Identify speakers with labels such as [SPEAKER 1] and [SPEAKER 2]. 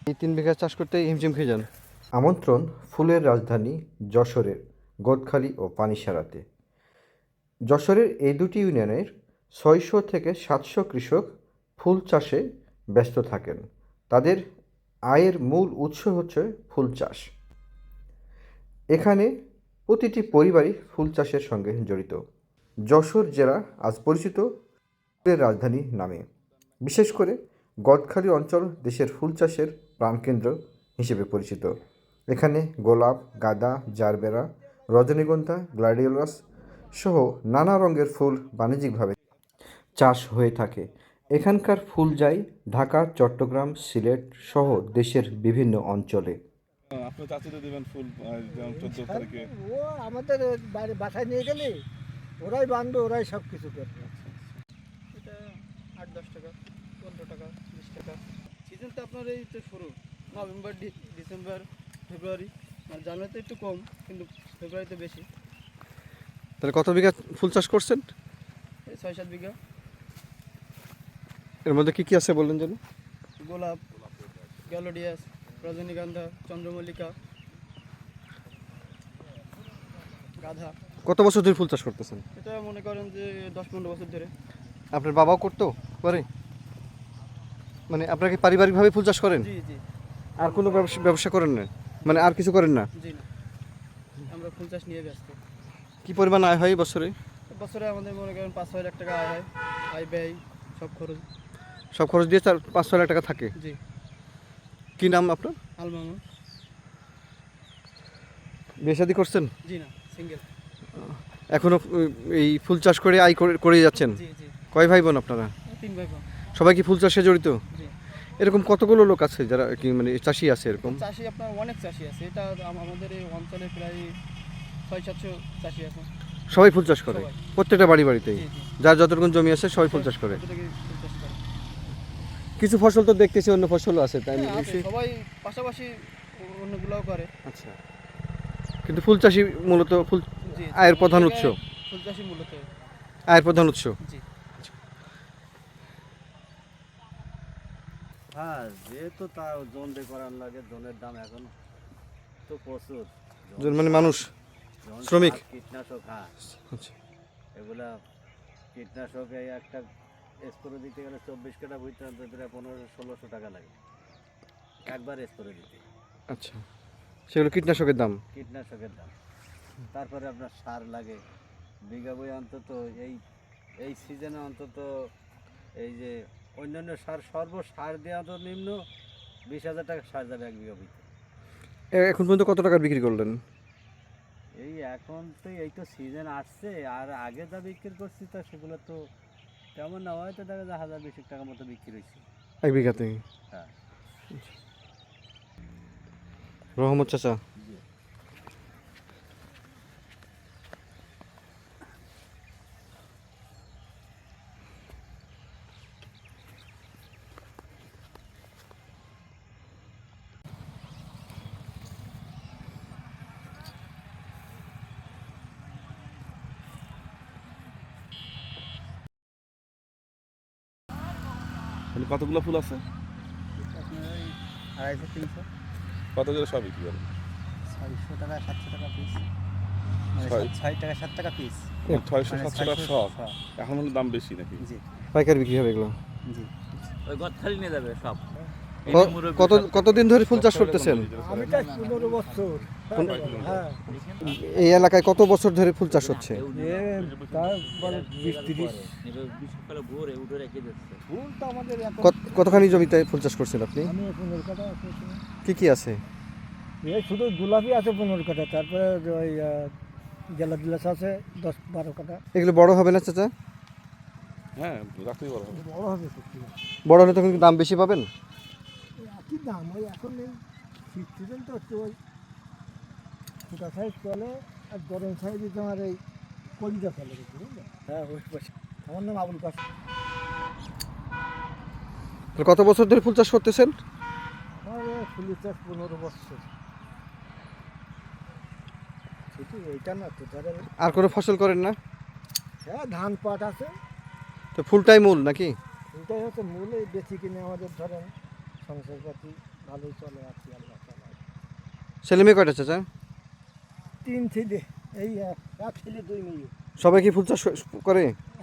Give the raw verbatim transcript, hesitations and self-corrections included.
[SPEAKER 1] এই তিন বিঘা চাষ করতে হিমশিম খেয়ে যান। আমন্ত্রণ ফুলের রাজধানী যশোরের গোদখালি ও পানিসারাতে। যশোরের এই দুটি ইউনিয়নের ছয়শো থেকে সাতশো কৃষক ফুল চাষে ব্যস্ত থাকেন। তাদের আয়ের মূল উৎস হচ্ছে ফুল চাষ। এখানে প্রতিটি পরিবারই ফুল চাষের সঙ্গে জড়িত। যশোর জেলা আজ পরিচিত ফুলের রাজধানী নামে। বিশেষ করে গদখালি অঞ্চল দেশের ফুল চাষের প্রাণকেন্দ্র হিসেবে পরিচিত। এখানে গোলাপ, গাঁদা, জারবেরা, রজনীগন্ধা, গ্ল্যাডিওলাস সহ নানা রঙের ফুল বাণিজ্যিকভাবে চাষ হয়ে থাকে। এখানকার ফুল যায় ঢাকা, চট্টগ্রাম, সিলেট সহ দেশের বিভিন্ন অঞ্চলে।
[SPEAKER 2] আপনার চাচিতে দেবেন ফুল যেমন চোদ্দ তারিখে।
[SPEAKER 3] ও আমাদের বাইরে বাসায় নিয়ে গেলে ওরাই বাঁধবে, ওরাই সব কিছু করবে।
[SPEAKER 4] এটা আট দশ টাকা, পনেরো টাকা, বিশ টাকা। সিজন তো আপনার এই তো শুরু নভেম্বর, ডিসেম্বর, ফেব্রুয়ারি। মানে জানুয়ারিতে একটু কম, কিন্তু ফেব্রুয়ারিতে বেশি।
[SPEAKER 1] তাহলে কত বিঘা ফুল চাষ করছেন?
[SPEAKER 4] এই ছয় সাত বিঘা।
[SPEAKER 1] এর মধ্যে কী কী আছে বললেন যেন?
[SPEAKER 4] গোলাপ, গ্যালোডিয়াস, রজনীগন্ধা, চন্দ্রমল্লিকা, গাঁদা।
[SPEAKER 1] কত বছর ধরে ফুল চাষ করতেছেন?
[SPEAKER 4] এটা মনে করেন যে দশ পনেরো বছর ধরে।
[SPEAKER 1] আপনার বাবাও করতো করে? মানে আপনারা কি পারিবারিকভাবে ফুল চাষ করেন?
[SPEAKER 4] জি জি।
[SPEAKER 1] আর কোনো ব্যবসা ব্যবসা করেন না? মানে আর কিছু করেন না?
[SPEAKER 4] জি না, আমরা ফুল চাষ নিয়ে ব্যস্ত।
[SPEAKER 1] কি পরিমাণ আয় হয় বছরে?
[SPEAKER 4] বছরে আমাদের মনে করেন পাঁচ ছয় লাখ টাকা আয় হয়, আয় ব্যয় সব খরচ।
[SPEAKER 1] সব খরচ দিয়ে চার পাঁচ ছয় লাখ টাকা থাকে।
[SPEAKER 4] জি।
[SPEAKER 1] কি নাম আপনার?
[SPEAKER 4] আলমামা।
[SPEAKER 1] বিয়ে শাদী করছেন?
[SPEAKER 4] জি না, সিঙ্গেল।
[SPEAKER 1] এখনো এই ফুল চাষ করে আয় করে করে যাচ্ছেন?
[SPEAKER 4] জি জি।
[SPEAKER 1] কয় ভাই বোন আপনারা?
[SPEAKER 4] তিন ভাই বোন।
[SPEAKER 1] সবাই কি ফুল চাষে জড়িত?
[SPEAKER 4] জি।
[SPEAKER 1] এরকম কতগুলো লোক আছে যারা কি মানে চাষি আছে এরকম?
[SPEAKER 4] চাষি আপনার অনেক চাষি আছে, এটা আম- আমাদের এই অঞ্চলে প্রায় ছয় সাতশো চাষি আছে।
[SPEAKER 1] সবাই ফুল চাষ করে?
[SPEAKER 4] সবাই।
[SPEAKER 1] প্রত্যেকটা বাড়ি বাড়িতেই
[SPEAKER 4] জি জি।
[SPEAKER 1] যার যতটুকু জমি আছে সবাই ফুল চাষ করে?
[SPEAKER 4] প্রত্যেকেই ফুল চাষ করে।
[SPEAKER 1] কিছু ফসল তো দেখতেছি অন্য ফসলও আছে, তাই
[SPEAKER 4] হ্যাঁ, আছে,
[SPEAKER 1] নিশ্চয়ই?
[SPEAKER 4] সবাই পাশাপাশি অন্যগুলোও করে।
[SPEAKER 1] আচ্ছা, কিন্তু ফুল চাষি মূলত ফুল
[SPEAKER 4] জি।
[SPEAKER 1] আয়ের প্রধান উৎস?
[SPEAKER 4] ফুল চাষি মূলত।
[SPEAKER 1] আয়ের প্রধান উৎস?
[SPEAKER 4] জি।
[SPEAKER 5] হ্যাঁ, যেহেতু তা জোন দিয়ে করার লাগে, জোনের দাম এখন তো প্রচুর।
[SPEAKER 1] জন মানে মানুষ,
[SPEAKER 5] জন
[SPEAKER 1] শ্রমিক?
[SPEAKER 5] সার, কীটনাশক, হ্যাঁ
[SPEAKER 1] আচ্ছা,
[SPEAKER 5] এগুলা কীটনাশক এই একটা স্প্রে দিতে গেলে চব্বিশ কাটা বুঝতে পনেরোশো ষোলোশো টাকা লাগে একবার স্প্রে দিতে।
[SPEAKER 1] আচ্ছা, সেগুলো কীটনাশকের দাম?
[SPEAKER 5] কীটনাশকের দাম। তারপরে আপনার সার লাগে বিঘা বই অন্তত এই এই সিজনে অন্তত এই যে অন্যান্য সার সর্ব সার দেওয়া তো নিম্ন বিশ হাজার টাকা সার যাবে এক বিঘা বইতে।
[SPEAKER 1] এ- এখন পর্যন্ত কত টাকার বিক্রি করলেন?
[SPEAKER 5] এই এখন তো এই তো সিজন আসছে, আর আগে যা বিক্রি করছি তা সেগুলো তো তেমন না, হয়তো দেখা যায় হাজার বিশ টাকা মতো বিক্রি হয়েছে।
[SPEAKER 1] এক বিঘাতে?
[SPEAKER 5] হ্যাঁ।
[SPEAKER 1] রহমত চাচা,
[SPEAKER 5] জি।
[SPEAKER 2] মানে কতগুলো ফুল আছে?
[SPEAKER 4] আপনার এই আড়াইশো তিনশো
[SPEAKER 2] কত করে সব বিক্রি করেন?
[SPEAKER 4] ছয়শো টাকা সাতশো টাকা পিস।
[SPEAKER 2] ছয়
[SPEAKER 4] ছয় টাকা সাত টাকা পিস।
[SPEAKER 2] ছয়শো
[SPEAKER 4] মানে
[SPEAKER 2] সাতশো টাকা
[SPEAKER 4] ছয়শো,
[SPEAKER 2] সব।
[SPEAKER 4] হ্যাঁ।
[SPEAKER 2] এখন হলো দাম বেশি নাকি?
[SPEAKER 4] জি
[SPEAKER 1] পাইকারি বিক্রি হবে এগুলো?
[SPEAKER 4] জি।
[SPEAKER 5] ওই গদখালি নিয়ে যাবে সব।
[SPEAKER 1] ক- কত কতদিন ধরে ফুল চাষ করতেছেন?
[SPEAKER 3] আমি তাই পনেরো বছর। হ্যাঁ,
[SPEAKER 1] এই এলাকায় কত বছর ধরে ফুল চাষ হচ্ছে?
[SPEAKER 3] এ তার বলে বিশ তিরিশ। ফুল তো আমাদের এখন
[SPEAKER 1] কত- কতখানি জমিতে ফুল চাষ করছেন আপনি?
[SPEAKER 3] আমি পনেরো কাটা আছে।
[SPEAKER 1] কি কি আছে?
[SPEAKER 3] এই শুধু গোলাপি আছে পনেরো কাটা, তারপরে ওই গেলা দিলাস আছে দশ বারো কাটা।
[SPEAKER 1] এগুলো বড় হবে না চাচা?
[SPEAKER 2] হ্যাঁ, রাখতেই বড় হবে।
[SPEAKER 3] বড় হবে সত্যি।
[SPEAKER 1] বড় হলে তখন কি দাম বেশি পাবেন?
[SPEAKER 3] একই দাম, ওই এখন নেই শীত সিজন তো হচ্ছে ওই ছোটা সাইজ চলে, আর গরম সাইজ তোমার এই কলিজা চলে বুঝলি? হ্যাঁ ওই পয়সা। আমার নাম আবুল কাসেম।
[SPEAKER 1] তাহলে কত বছর ধরে ফুল চাষ করতেছেন?
[SPEAKER 3] আমার এই ফুলের চাষ পনেরো বছর। শুধু এইটা না তো, ধরেন
[SPEAKER 1] আর কোনো ফসল করেন না?
[SPEAKER 3] হ্যাঁ ধান পাট আছে,
[SPEAKER 1] তো ফুলটাই মূল নাকি?
[SPEAKER 3] এটাই হচ্ছে মূল। এই বেশি কিনে আমাদের ধরেন সংসারপাতি ভালোই চলে আছি আল্লাহ তাআলা।
[SPEAKER 1] ছেলে মেয়ে কয়টা চাচা?
[SPEAKER 3] তিন ছেলে, এই এক এক ছেলে দুই মেয়ে।
[SPEAKER 1] সবাই কি ফুল চাষ করে?